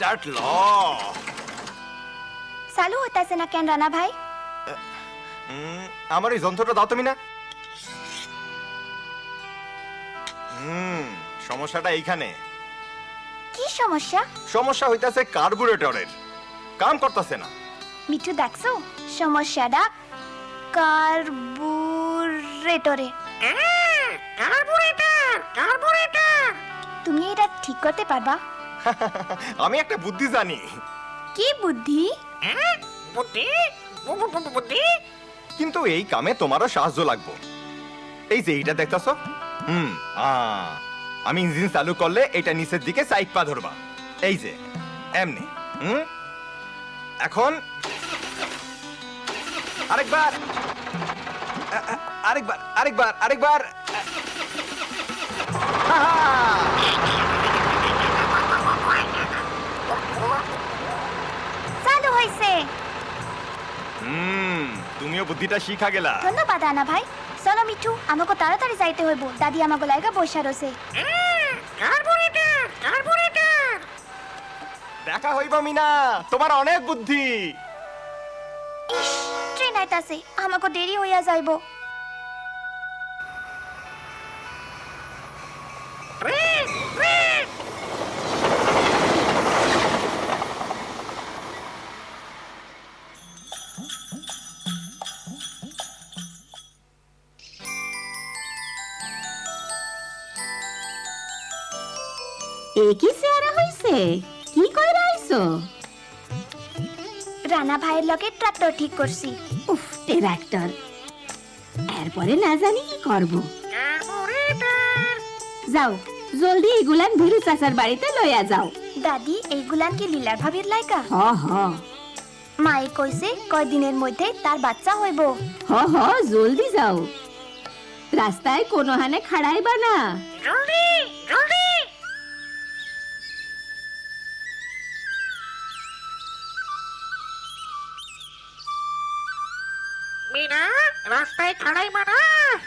Start ল। চালু হইতাছে না কেন রানা ভাই? আমার এই যন্ত্রটা দাও তুমি না। সমস্যাটা এইখানে। কি সমস্যা? সমস্যা হইতাছে কার্বুরেটরের, কাম করতেছে না। মিঠু দেখছো সমস্যাটা কার্বুরেটরে। কার্বুরেটর তুমি এটা ঠিক করতে পারবা? আমি একটা বুদ্ধি জানি। কি বুদ্ধি? বুদ্ধি বুদ্ধি কিন্তু এই কামে তোমারও সাহায্য লাগবে। এই যে এইটা দেখতেছো, আমি ইঞ্জিন চালু করলে এটা নিচের দিকে সাইড পা ধরবা। এই যে এমনি। এখন আরেকবার আরেকবার আরেকবার আরেকবার। চালু হইছে। তুমিও বুদ্ধিটা শিখা গেলা। ধন্যবাদ রানা ভাই। চলো মিঠু, আমাকে তাড়াতাড়ি যাইতে হইব। দাদি আমাকে লাইগা বসা রয়েছে। কার্বুরেটর দেখা হইব মিনা, তোমার অনেক বুদ্ধি। ইস, ট্রেন আইতাছে, আমাকে দেরি হইয়া যাইব। কি চেহারা হইছে? কি কইরা আইছো? রানা ভাইয়ের লগে ট্রাক্টর ঠিক করছি। উফ, ট্রাক্টর। এরপরে না জানি কি করব। যাও জলদি এগুলান ভিরু চাচার বাড়িতে লইয়া যাও। দাদি, এইগুলান কি লীলার ভাবির লাইকা? হ হ মায়ে কইছে কয়দিনের মধ্যে তার বাচ্চা হইব। হ হ, জলদি যাও। রাস্তায় কোনো হানে খাড়াইবা না। জলদি জলদি মিনা, রাস্তায় খাড়াই মানা।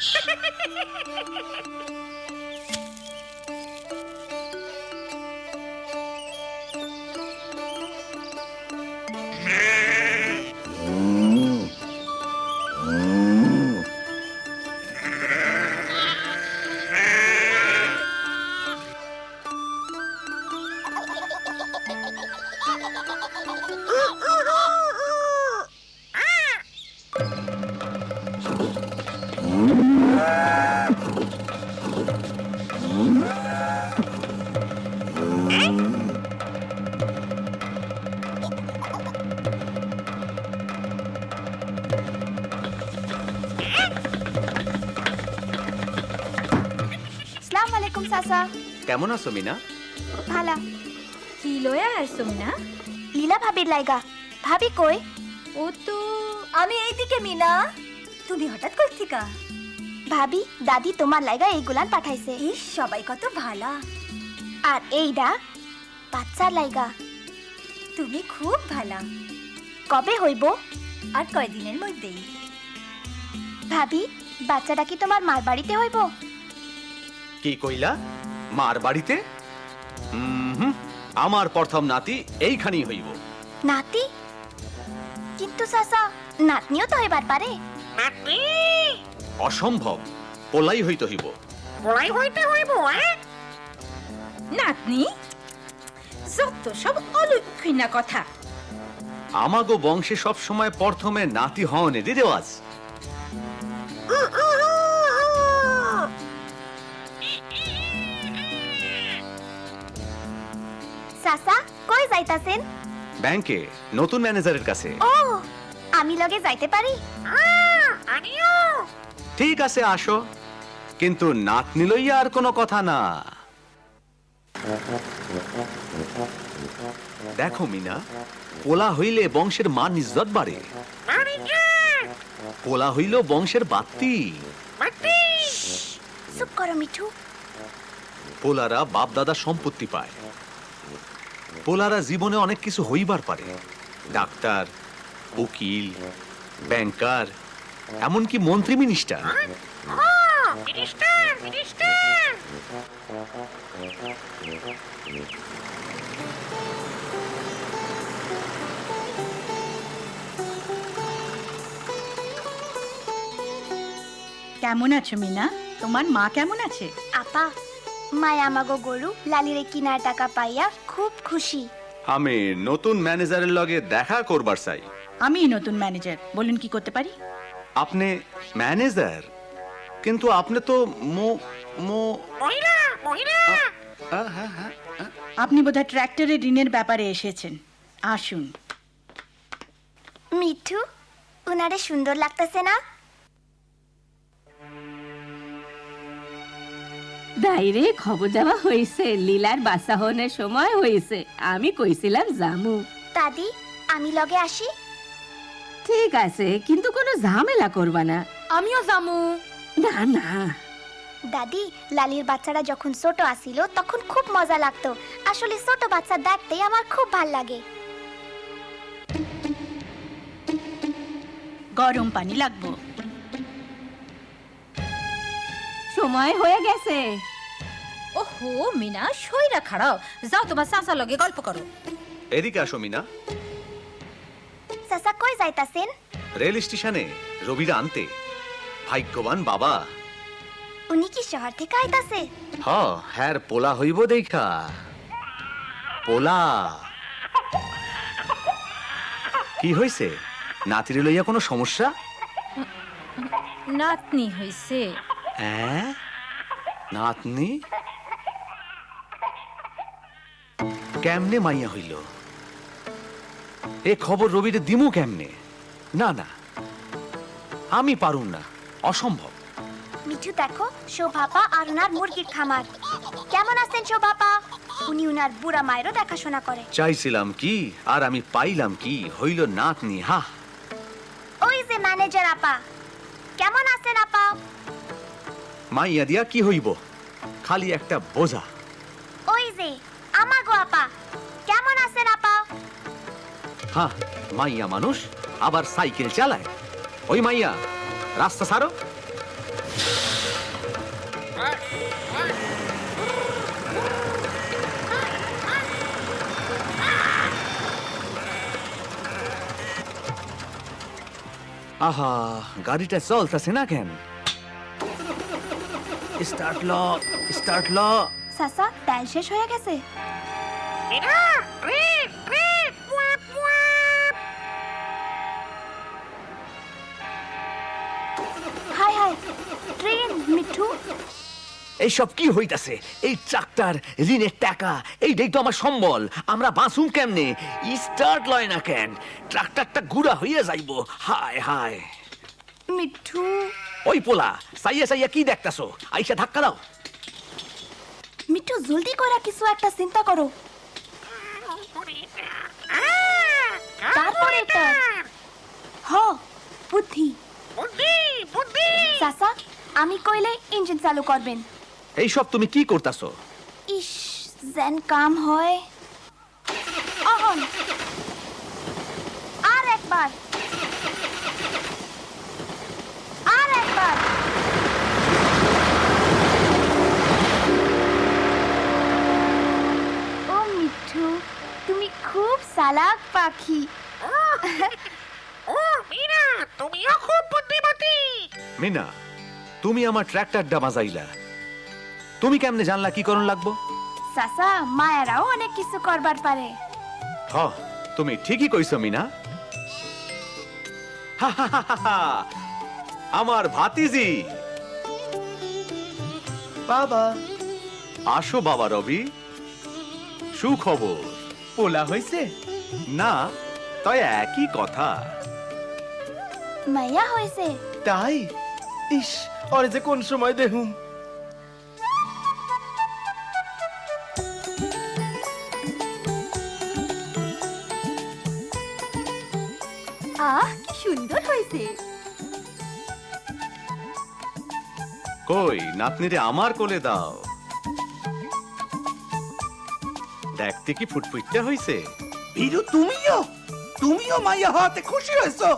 আসসালামু আলাইকুম চাচা। কেমন আছো মিনা? ভালা। কি লয়া আইছো মিনা? লীলা ভাবির লাইগা। ভাবি কই? ও তো আমি এইদিকে। মিনা, তুমি হঠাৎ কই থিকা? ভাবি, দাদি তোমার লাইগা এইগুলান পাঠাইছে। ইস, সবাই কত ভালা। আর এইডা বাচ্চার লাইগা। তুমি খুব ভালা। কবে হইব? আর কয়দিনের মধ্যেই। ভাবি, বাচ্চাটা কি তোমার মার বাড়িতে হইব? কি কইলা? মার বাড়িতে? আমার প্রথম নাতি এইখানেই হইব। নাতি? কিন্তু চাচা, নাতনিও তো হইবার পারে। নাতনি অসম্ভব, পোলাই হইতে হইব। বলাই হইতে হইব। নাতনি? যত সব অলক্ষিনা কথা। আমাগো বংশে সব সময় প্রথমে নাতি হওয়ানেরই রেওয়াজ। চাচা, কই যাইতাছেন? ব্যাংকে নতুন ম্যানেজারের কাছে। ও, আমি লগে যাইতে পারি? আমিও। ঠিক আছে, আসো, কিন্তু নাতনি লইয়া আর কোনো কথা না। দেখো মিনা, পোলা হইলে বংশের মান ইজ্জত বাড়ে। পোলা হইল বংশের বাত্তি। চুপ করো মিঠু। পোলারা বাপ দাদা সম্পত্তি পায়। পোলারা জীবনে অনেক কিছু হইবার পারে, ডাক্তার, উকিল, ব্যাংকার, এমনকি মন্ত্রী মিনিস্টার। কেমন আছো মিনা? তোমার মা কেমন আছে? আপা মায় আমাগো গরু লালিরে কিনার টাকা পাইয়া খুব খুশি। আমি নতুন ম্যানেজারের লগে দেখা করবার চাই। আমি নতুন ম্যানেজার, বলুন কি করতে পারি? আপনি ম্যানেজার, কিন্তু আপনি তো মহিলা মহিলা হ্যাঁ। আপনি বোধহয় ট্র্যাক্টরের ঋণের ব্যাপারে এসেছেন। আসুন। মিঠু উনারে সুন্দর লাগতেছে না? দাইরে খবর দেওয়া হয়েছে, লীলার বাসা হনের সময় হয়েছে। আমি কইছিলাম জামু। দাদি আমি লগে আসি? ঠিক আছে, কিন্তু কোনো ঝামেলা করবা না। আমিও জামু। না না, দাদি লালির বাচ্চারা যখন ছোট আসিল তখন খুব মজা লাগতো। আসলে ছোট বাচ্চা দেখতে আমার খুব ভাল লাগে। গরম পানি লাগবো। সময় হয়ে গেছে। ওহো মিনা, সইরা খাড়াও, যাও তোমার চাচা লগে গল্প করো। এদিকে আসো মিনা। চাচা কই যাইতাছেন? রেল স্টেশনে রবিরা আনতে। ভাগ্যবান বাবা। উনি কি শহর থেকে আইতাছে? হ্যাঁ পোলা হইব দেখা। পোলা কি হইছে? নাতিরে লইয়া কোনো সমস্যা? নাতনি হইছে। হ্যাঁ, নাতনি কেমনে মাইয়া হইল? এ খবর রবিরে দিমু কেমনে? না না, আমি পারুম না, অসম্ভব। মিঠু দেখো, শোভাপা আর উনার মুরগির খামার। কেমন আছেন শোভাপা? উনি উনার বুড়া মায়েরও দেখাশোনা করে। চাইছিলাম কি আর আমি পাইলাম কি? হইল নাতনি। ওই যে ম্যানেজার আপা। কেমন আছেন আপা? মাইয়া দিয়া কি হইব? খালি একটা বোঝা। ওই যে আমাগো আপা। কেমন আছেন আপা? মাইয়া মানুষ আবার সাইকেল চালায়। ওই মাইয়া, রাস্তা ছাড়ো। আহা, গাড়িটা চলতেছে না কেন? স্টার্ট ল, স্টার্ট ল। চাচা তেল শেষ হয়ে গেছে। মিনা ট্রেন ট্রেন ওয়াপ ওয়াপ হাই হাই, ট্রেন। মিঠু এইসব কি হইতাছে? এই ট্রাক্টর, ঋণের টাকা, এইটাই তো আমার সম্বল। আমরা বাঁচুম কেমনে? স্টার্ট লয় না কেন? ট্রাক্টরটা গুড়া হইয়া যাইব। হায় হায়। মিঠু ওই পোলা, সাইয়া সাইয়া কি দেখতাছো? আইসা ধাক্কা দাও। মিঠু জলদি করে কিছু একটা চিন্তা করো। তারপরে বুদ্ধি বুদ্ধি বুদ্ধি চাচা, আমি কইলে ইঞ্জিন চালু করবেন। এইসব তুমি কি করতাছো? ইস, যেন কাম হয়। অহন আর একবার, আর একবার। ও মিঠু, তুমি খুব চালাক পাখি। ও মিনা, তুমিও খুব বুদ্ধিমতী। মিনা, তুমি আমার ট্রাক্টরটা বাজাইলা। তুমি কেমনে জানলা কি করণ লাগবো? চাচা, মায়েরাও অনেক কিছু করবার পারে। তুমি ঠিকই কইছো মিনা। আমার ভাতিজি। বাবা আসো বাবা রবি। সুখবর। পোলা হইছে? না, তাই একই কথা। মাইয়া হয়েছে? তাই? ইস, ওরে যে কোন সময় দেখুম। আহ, কি সুন্দর হয়েছে। কই, নাতনিরে আমার কোলে দাও। দেখতে কি ফুটফুটটা হইছে? ভিরু, তুমিও মাইয়া হওয়াতে খুশি হয়েছো?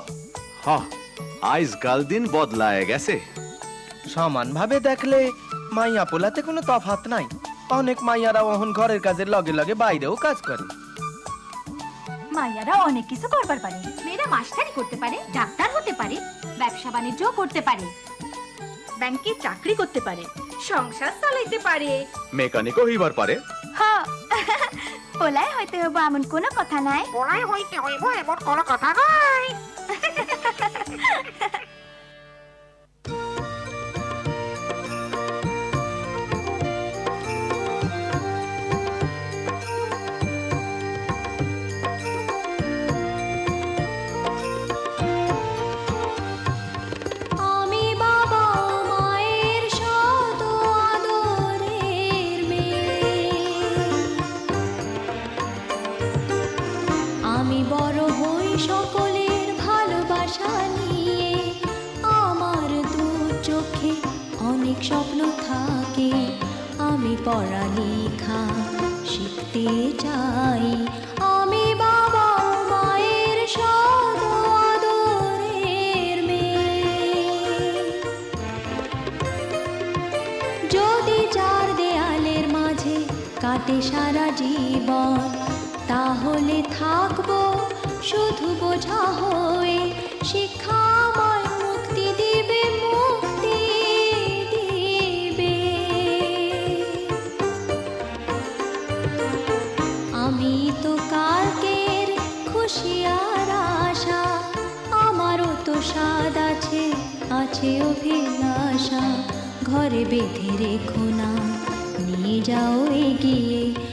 আজকাল দিন বদলায় গেছে। সমান ভাবে দেখলে মাইয়া পোলাতে কোনো তফাৎ নাই। অনেক মাইয়ারা ওহন ঘরের কাজের লগে লগে বাইরেও কাজ করে। মাইয়ারা অনেক কিছু করবার পারে। মেয়েরা মাস্টারি করতে পারে, ডাক্তার হতে পারে, ব্যবসা বাণিজ্য করতে পারে। ব্যাংকে চাকরি করতে পারে, সংসার চালাইতে পারে। মেকানিকও হইবার পারে। হ পোলাই হইতে হইব এমন কোনো কথা নাই। পড়াই হইতে হইব এমন কোনো কথা নাই। আমি বাবা মায়ের শত আদরের মেয়ে, আমি বড় হই সকলের ভালোবাসা নিয়ে, আমার দু চোখে অনেক স্বপ্ন থাকে, আমি পড়ালেখা শিখতে চাই, আমি বাবা মায়ের শত আদরের মেয়ে। যদি চার দেয়ালের মাঝে কাটে সারা জীবন, তাহলে থাকবো শুধু বোঝা হয়ে, শিক্ষা আমায় মুক্তি দিবে, মুক্তি দিবে। আমি তো কালকের খুশি আর আশা, আমারও তো স্বাদ আছে, আছে অভিলাষা, ঘরে বেঁধে রেখো না, নিয়ে যাও এগিয়ে